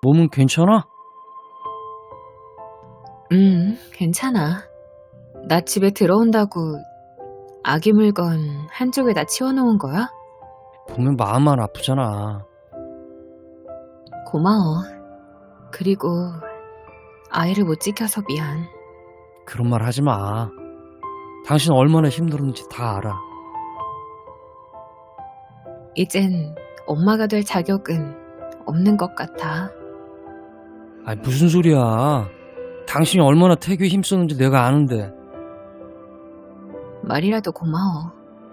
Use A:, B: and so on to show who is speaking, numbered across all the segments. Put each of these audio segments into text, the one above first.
A: 몸은 괜찮아?
B: 괜찮아. 나 집에 들어온다고 아기 물건 한쪽에다 치워놓은 거야?
A: 보면 마음만 아프잖아.
B: 고마워. 그리고 아이를 못 지켜서 미안.
A: 그런 말 하지 마. 당신 얼마나 힘들었는지 다 알아.
B: 이젠 엄마가 될 자격은 없는 것 같아.
A: 아니, 무슨 소리야. 당신이 얼마나 태교에 힘썼는지 내가 아는데.
B: 말이라도 고마워.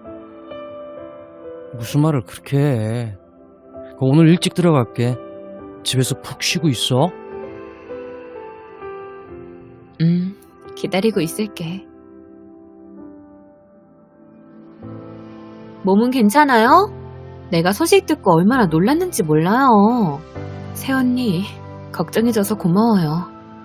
A: 무슨 말을 그렇게 해. 오늘 일찍 들어갈게. 집에서 푹 쉬고 있어.
B: 기다리고 있을게. 몸은 괜찮아요? 내가 소식 듣고 얼마나 놀랐는지 몰라요. 새언니, 걱정해줘서 고마워요.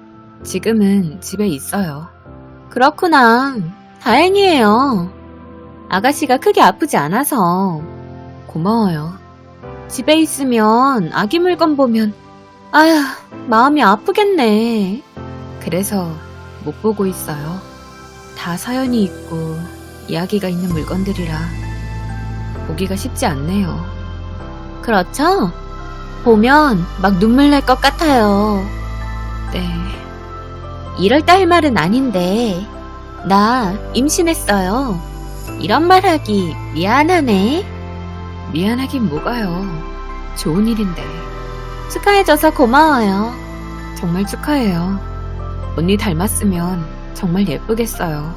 B: 지금은 집에 있어요. 그렇구나. 다행이에요. 아가씨가 크게 아프지 않아서. 고마워요. 집에 있으면 아기 물건 보면 아휴, 마음이 아프겠네. 그래서 못 보고 있어요. 다 사연이 있고 이야기가 있는 물건들이라 보기가 쉽지 않네요. 그렇죠? 보면 막 눈물 날 것 같아요. 네. 이럴 때 할 말은 아닌데 나 임신했어요. 이런 말 하기 미안하네. 미안하긴 뭐가요. 좋은 일인데. 축하해줘서 고마워요. 정말 축하해요. 언니 닮았으면 정말 예쁘겠어요.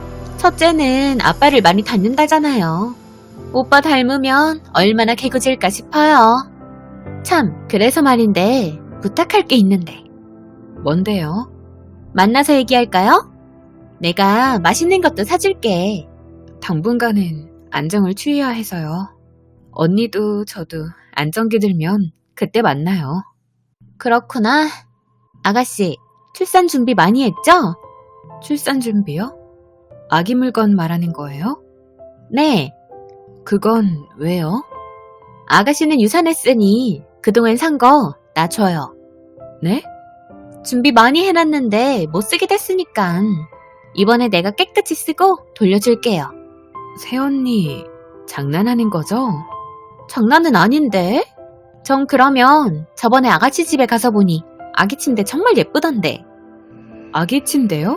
B: 첫째는 아빠를 많이 닮는다잖아요. 오빠 닮으면 얼마나 개구질까 싶어요. 참, 그래서 말인데 부탁할 게 있는데. 뭔데요? 만나서 얘기할까요? 내가 맛있는 것도 사줄게. 당분간은 안정을 취해야 해서요. 언니도 저도 안정기 들면 그때 만나요. 그렇구나. 아가씨, 출산 준비 많이 했죠? 출산 준비요? 아기 물건 말하는 거예요? 네. 그건 왜요? 아가씨는 유산했으니 그동안 산 거 나 줘요. 네? 준비 많이 해놨는데 못 쓰게 됐으니까 이번에 내가 깨끗이 쓰고 돌려줄게요. 새언니, 장난하는 거죠? 장난은 아닌데? 전 그러면 저번에 아가씨 집에 가서 보니 아기 침대 정말 예쁘던데. 아기 침대요?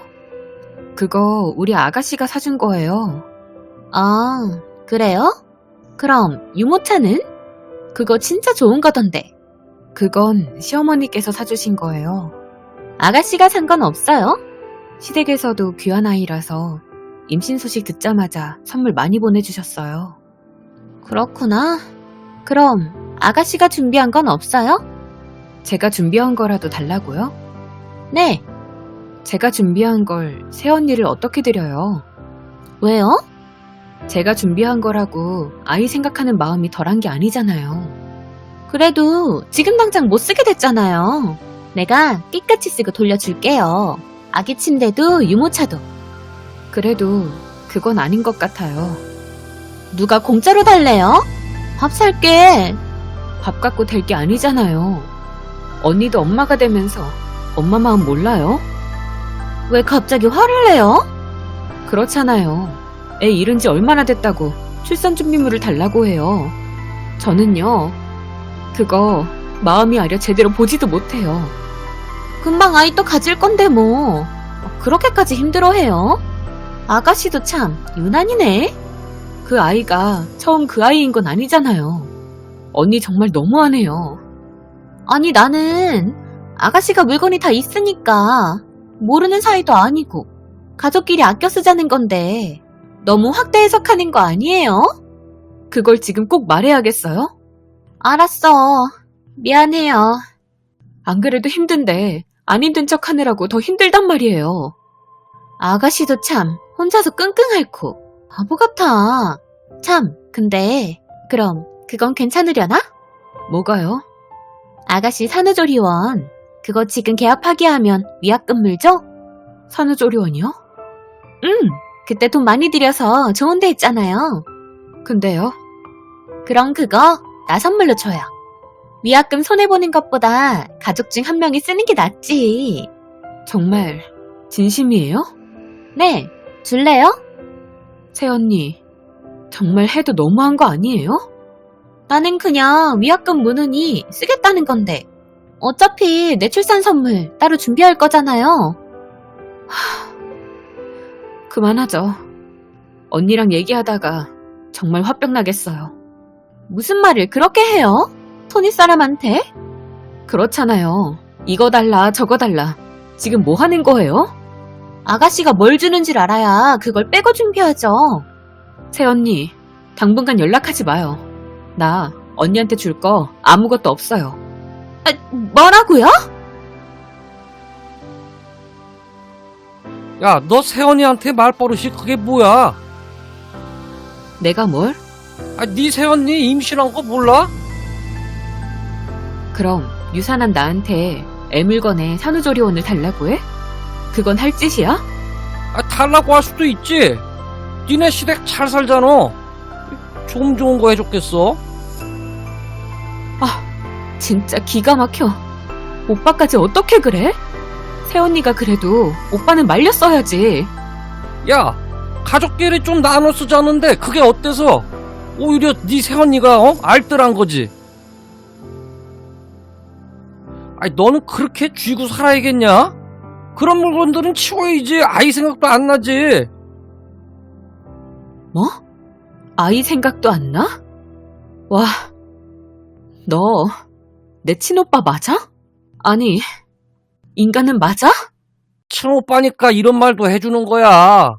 B: 그거 우리 아가씨가 사준 거예요. 아, 그래요? 그럼 유모차는? 그거 진짜 좋은 거던데. 그건 시어머니께서 사주신 거예요. 아가씨가 산 건 없어요? 시댁에서도 귀한 아이라서 임신 소식 듣자마자 선물 많이 보내주셨어요. 그렇구나. 그럼 아가씨가 준비한 건 없어요? 제가 준비한 거라도 달라고요? 네. 제가 준비한 걸 새언니를 어떻게 드려요? 왜요? 제가 준비한 거라고 아이 생각하는 마음이 덜한 게 아니잖아요. 그래도 지금 당장 못 쓰게 됐잖아요. 내가 깨끗이 쓰고 돌려줄게요. 아기 침대도 유모차도. 그래도 그건 아닌 것 같아요. 누가 공짜로 달래요? 밥 살게. 밥 갖고 될 게 아니잖아요. 언니도 엄마가 되면서 엄마 마음 몰라요? 왜 갑자기 화를 내요? 그렇잖아요. 애 잃은 지 얼마나 됐다고 출산 준비물을 달라고 해요. 저는요, 그거 마음이 아려 제대로 보지도 못해요. 금방 아이 또 가질 건데 뭐. 그렇게까지 힘들어해요? 아가씨도 참 유난이네. 그 아이가 처음 그 아이인 건 아니잖아요. 언니 정말 너무하네요. 아니 나는 아가씨가 물건이 다 있으니까 모르는 사이도 아니고 가족끼리 아껴 쓰자는 건데 너무 확대 해석하는 거 아니에요? 그걸 지금 꼭 말해야겠어요? 알았어. 미안해요. 안 그래도 힘든데 안 힘든 척 하느라고 더 힘들단 말이에요. 아가씨도 참 혼자서 끙끙 앓고 바보 같아. 참, 근데 그럼 그건 괜찮으려나? 뭐가요? 아가씨 산후조리원 그거 지금 개업하게 하면 위약금 물죠? 산후조리원이요? 그때 돈 많이 들여서 좋은 데 했잖아요. 근데요? 그럼 그거 나 선물로 줘요. 위약금 손해보는 것보다 가족 중 한 명이 쓰는 게 낫지. 정말 진심이에요? 네, 줄래요? 새언니, 정말 해도 너무한 거 아니에요? 나는 그냥 위약금 무느니 쓰겠다는 건데 어차피 내 출산 선물 따로 준비할 거잖아요. 그만하죠. 언니랑 얘기하다가 정말 화병 나겠어요. 무슨 말을 그렇게 해요? 토니 사람한테? 그렇잖아요. 이거 달라 저거 달라. 지금 뭐 하는 거예요? 아가씨가 뭘 주는 줄 알아야 그걸 빼고 준비하죠. 새언니, 당분간 연락하지 마요. 나 언니한테 줄 거 아무것도 없어요. 뭐라고요?
A: 야, 너 새언니한테 말버릇이 그게 뭐야?
B: 내가 뭘?
A: 네 새언니 임신한 거 몰라?
B: 그럼 유산한 나한테 애물건에 산후조리원을 달라고 해? 그건 할 짓이야?
A: 달라고 할 수도 있지. 니네 시댁 잘 살잖아. 좀 좋은 거 해줬겠어?
B: 진짜 기가 막혀. 오빠까지 어떻게 그래? 새언니가 그래도 오빠는 말렸어야지.
A: 야, 가족끼리 좀 나눠 쓰자는데 그게 어때서? 오히려 네 새언니가 알뜰한 거지. 너는 그렇게 쥐고 살아야겠냐? 그런 물건들은 치워야지. 아이 생각도 안 나지.
B: 뭐? 아이 생각도 안 나? 와, 너 내 친오빠 맞아? 아니, 인간은 맞아?
A: 친오빠니까 이런 말도 해주는 거야.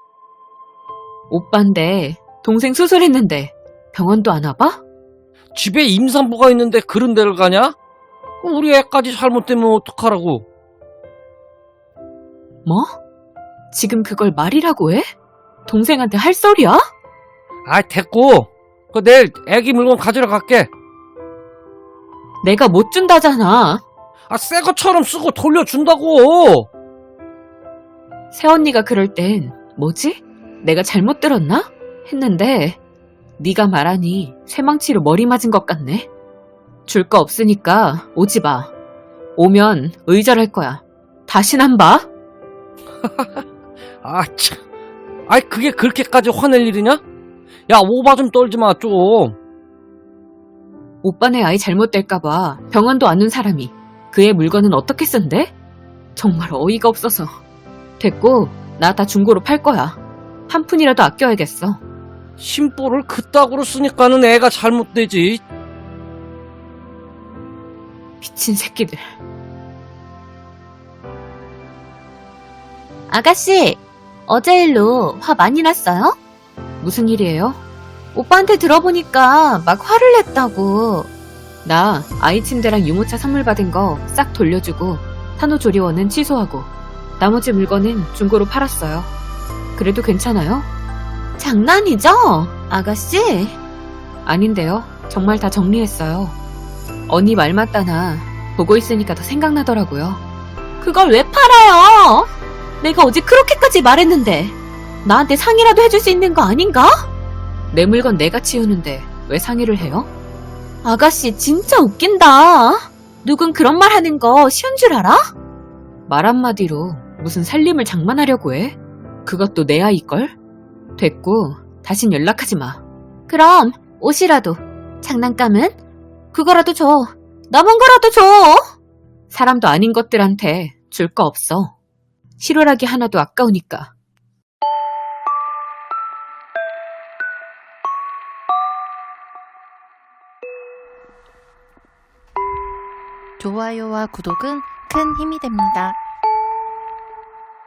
B: 오빠인데 동생 수술했는데 병원도 안 와봐?
A: 집에 임산부가 있는데 그런 데를 가냐? 우리 애까지 잘못되면 어떡하라고.
B: 뭐? 지금 그걸 말이라고 해? 동생한테 할 소리야?
A: 됐고. 내일 애기 물건 가지러 갈게.
B: 내가 못 준다잖아.
A: 새 것처럼 쓰고 돌려준다고.
B: 새언니가 그럴 땐 뭐지? 내가 잘못 들었나? 했는데 네가 말하니 쇠망치로 머리 맞은 것 같네. 줄 거 없으니까 오지 마. 오면 의절할 거야. 다신 안 봐.
A: 참. 그게 그렇게까지 화낼 일이냐? 야, 오바 좀 떨지 마, 좀.
B: 오빠네 아이 잘못될까봐 병원도 안 온 사람이 그 애 물건은 어떻게 쓴대? 정말 어이가 없어서. 됐고, 나 다 중고로 팔 거야. 한 푼이라도 아껴야겠어.
A: 심보를 그따구로 쓰니까는 애가 잘못되지.
B: 미친 새끼들. 아가씨, 어제 일로 화 많이 났어요? 무슨 일이에요? 오빠한테 들어보니까 막 화를 냈다고. 나 아이 침대랑 유모차 선물 받은 거 싹 돌려주고 산후조리원은 취소하고 나머지 물건은 중고로 팔았어요. 그래도 괜찮아요? 장난이죠? 아가씨? 아닌데요. 정말 다 정리했어요. 언니 말 맞다나 보고 있으니까 더 생각나더라고요. 그걸 왜 팔아요? 내가 어제 그렇게까지 말했는데 나한테 상의라도 해줄 수 있는 거 아닌가? 내 물건 내가 치우는데 왜 상의를 해요? 아가씨 진짜 웃긴다. 누군 그런 말 하는 거 쉬운 줄 알아? 말 한마디로 무슨 살림을 장만하려고 해? 그것도 내 아이걸? 됐고 다신 연락하지 마. 그럼 옷이라도. 장난감은? 그거라도 줘. 남은 거라도 줘. 사람도 아닌 것들한테 줄 거 없어. 실오라기 하나도 아까우니까.
C: 좋아요와 구독은 큰 힘이 됩니다.